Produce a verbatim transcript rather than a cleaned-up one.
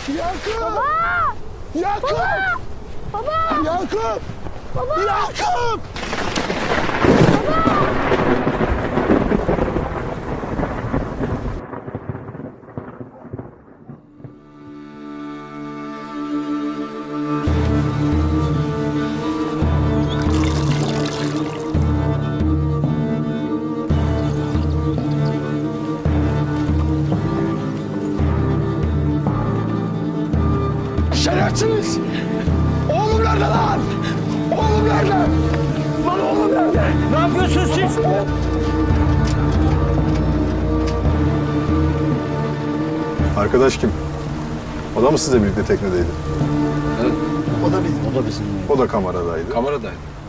Yakup! Baba! Yakup! Baba! Yakup! Baba! Yakup! Şerefsiniz! Oğlum nerede lan? Oğlum nerede? Lan oğlum nerede? Ne yapıyorsunuz siz? Arkadaş kim? O da mı sizle birlikte teknedeydi? O da bizim. O da bizim. O da kameradaydı. Kameradaydı.